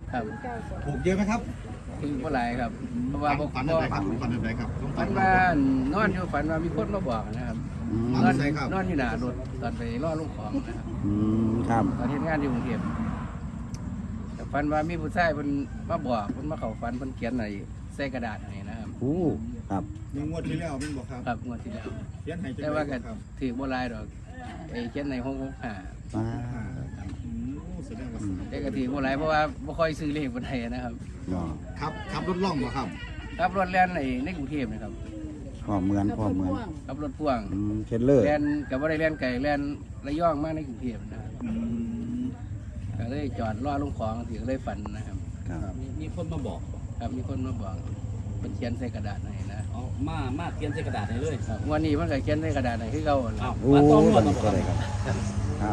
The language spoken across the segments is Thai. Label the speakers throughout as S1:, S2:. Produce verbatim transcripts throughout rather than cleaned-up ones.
S1: ครับ
S2: ถูกเยอะไหมครับ
S1: ถึงเมื่อไรครับเพราะว่า
S2: ฝันอะไรครับฝันอะไรครับต้อง
S1: ฝันว่านอนอยู่ฝันว่ามีคนมาบอกนะครับนอนนอนอยู่หน้ารถตอนไปล่อลูกของนะครับ
S3: อืมครับ
S1: ตอนเฮ็ดงานอยู่กรุงเทพแต่ฝันว่ามีผู้ชายเพิ่นมาบอกเพิ่นมาเข้าฝันเพิ่นเขียนอะไรใส่กระดาษให้นะครับ
S3: โอ้ครับ
S2: มีงวดที่แล้วมันบอกครับ
S1: ครับงวดที่แล้ว
S2: เขียนให้จัง
S1: แต่ว่าก็
S2: ครับ
S1: ถือบ่หลายดอกไอ้เขียนในหกหกห้า
S3: มา
S2: อืมแสดงว่า
S1: แต่ก็ถือบ่หลายเพราะว่าบ่ค่อยซื้อเลขบ่ได้นะครับ
S3: เนาะ
S2: ครับขับรถล่องเหรอครับ
S1: ขับรถแล่นในในกรุงเทพนะครับ
S3: พ่อเหมือนพ่อเหมือน
S1: ขับรถพ่วง
S3: อืมเทรลเลอร์
S1: แล่นก็บ่ได้แล่นไกลแล่นระยองมาในกรุงเทพนะครับ
S2: อืม
S1: ก็เลยจอดรอลงของถือเลยฝันนะครับ
S3: ครับ
S4: มีคนมาบอก
S1: ครับมีคนมาบอกเป็นเขียนใส่กระดาษให้นะ
S4: เอามามาเขียนใส่กระดาษให้เลย
S1: ครับวันนี้มันก็เขียนใส่กระดาษให้คือเก่าหั่นล่ะ
S4: อ้าว
S3: โอ้
S4: มาต้องนวด
S3: นี่
S4: มา
S3: ก็เลยครับครับ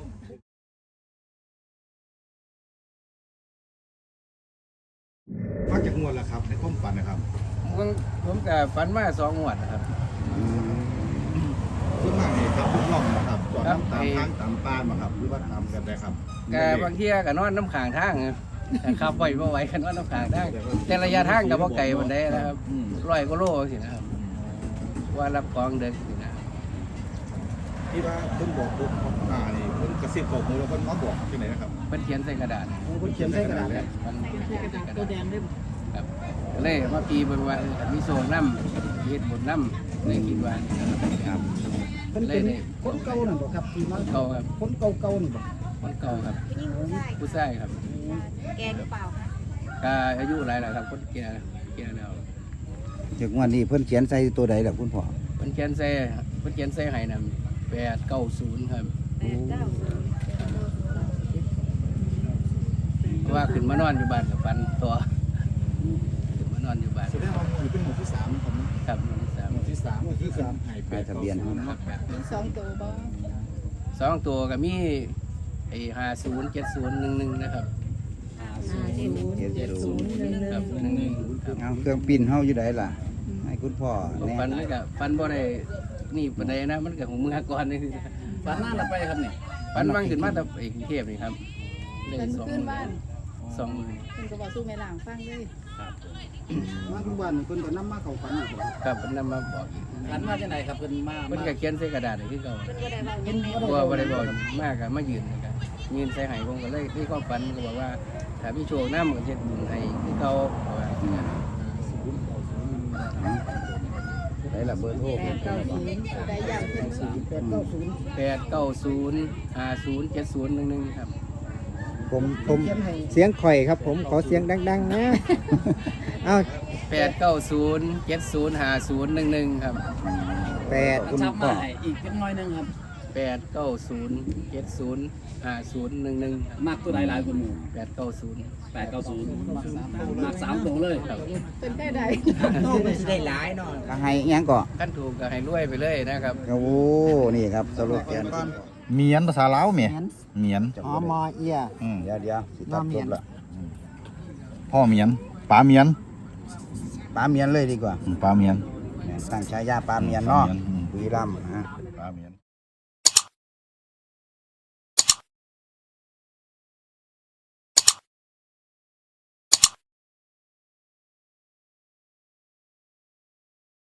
S2: ฟังจากงวดแล้วครับในความฝันนะครับ
S1: ผมผมก็ฝันมาสองงวดนะครับ
S3: อืม
S2: ส่วนมากนี่ขับรถล่องนะครับจอด
S1: ครับ
S2: ตาม
S1: ไอ้
S2: ทางตามป้านมาครับหรือว่าตามกันได้ครับ
S1: ก็บางเที่ยก็นอนน้ำขางทางนะแต่ขับไปบ่ไหวก็นอนน้ำขางทางแต่ระยะทางก็บ่ไกลปานใดนะครับ
S4: อืม
S1: ร้อยกว่าโลสินะครับว่ารับของเด็กสินะครับ
S2: ที่ว่าเพิ่นบอกปุ๊บอ่านี่เพิ่นกระซิบบอกมือแล้วเพิ่นมาบอกที่ไหนนะครับ
S1: เพิ่นเขียนใส่กระดาษ
S2: เพิ่นเขียนใส่กระดาษเลย
S1: มันเขียนใส่กระดาษครับก็เลยมาปีเบิ่งว่าเออมีโซนน้ำเฮ็ดบุญน้ำเลยคิดว่าครับ
S5: เพิ่นเป็นคนเก่านั่นบ่ครับที่
S1: ค
S5: มาน
S1: เก่าครับ
S5: คนเก่าๆนี่บ่
S1: คนเก่าครับ
S6: ผู้หญิงผู้ชาย
S1: ผู้ชายครับ
S6: แกหรือเปล่าคะ
S1: ก็อายุหลายแล้วครับคนแก่แก่แล้ว
S3: ถึงวันนี้เพิ่นเขียนใส่ตัวใดล่ะคุณพ่อ
S1: เพิ่นเขียนใส่เพิ่นเขียนใส่ให้นำแปดเก้าศูนย์ครับ
S6: แปดเก้าศูนย์
S1: เพราะว่าขึ้นมานอนอยู่บ้านกับฟันตัวขึ้นมานอนอยู่บ้าน
S2: แสดงว่าหมู่เป็นหมู่ที่สามนะครับ
S1: ครับหมู่ที่สาม
S2: หมู่ที่สามหมู่ที่สามให้
S3: ป้ายทะเบียน
S2: ค
S3: เฮา
S2: รับ
S5: มีสองตัวบ่
S1: สองตัวก็มีไอ้ห้าศูนย์เจ็ดศูนย์หนึ่งหนึ่งนะครับ
S6: อ่าเจ็ดศูนย์
S3: เจ็ดศูนย์
S1: ครับหนึ่งหนึ่งครับ
S3: เอาเครื่องปิ้นเฮาอยู่ใดล่ะ ให้คุณพ่อแน่
S1: ฟันมันก็ฟันบ่ได้นี่ปานใดนะมันก็ของมือก่อนนี่
S4: ฝันหน้าเราไปครับนี่
S1: ฟันมันขึ้นมาแต่ไอ้กรุงเทพนี่ครับเลย
S5: เพิ่น
S1: สอง
S5: ขึ้นบ้าน
S1: สองหมื่น
S5: เพิ่นก็บอกสู้แม่ล่างฟังเลย
S4: ครับ
S5: มาทุกบ้านเพิ่นก็นำมาเข้าฝันอีกบ่
S1: ครับเพิ่นนำมาบอกอีก
S4: ฝันว่าจะไหนครับเพิ่นมา
S1: เพิ่นก็เขียนใส่กระดาษให้คือเก่า
S6: เพิ่นก็ได้เว้ายังไง
S1: เพราะว่าบ่ได้บอกมากก็มายืนนะครับยืนใส่ให้ผมก็เลยที่ความฝันก็บอกว่าถ้ามีโชคนำก็เฮ็ดบุญให้คือเก่าเพราะว่า
S3: ได้ละเบอร์โทร
S5: แปดเก้าศูนย์ได้ย่างเพิ่นสามแปดเก้าศูนย์
S1: แปดเก้าศูนย์ห้าศูนย์เจ็ดศูนย์หนึ่งหนึ่งครับ
S7: ผมผมเสียงข่อยครับผมขอเสียงดัง ๆ นะ เอา
S1: แปดเก้าศูนย์เจ็ดศูนย์ห้าศูนย์หนึ่งหนึ่งครับ
S7: แปด
S4: คุณชับมาให้อีกเล็กน้อยหนึงครับ
S1: แปดเก้าศูนย์เจ็ดศูนย์ห้าศูนย์หนึ่งหนึ่ง
S4: มากตัวใดหลายคนหมู่
S1: แปดเก้าศูนย์
S4: แปดเก้าศูนย์มากสามตัวเลย
S1: ครับ
S5: เพิ่นได้ใด
S7: โต้มันสิได้หลายเนาะ
S3: ก็ให้อิหยังก่อ
S1: ขั้นถูกก็ให้รวยไปเลยนะครับ
S3: โอ้นี่ครับสรุปแกน
S2: เมียนภาษาลาวเมียเมียน
S7: อ๋อมอเอีย
S2: อืม
S3: เดี๋ยวเดี๋ยวสิตัดจบละ
S2: พ่อเมียนป๋าเมียน
S3: ปลาเมียนเลยดีกว่า
S2: ป๋าเมียน
S3: ตั้งฉายาปลาเมียนเนาะ
S2: ปลาเมียนอืม
S3: บุรีรัมย์นะ
S2: ป๋าเมียน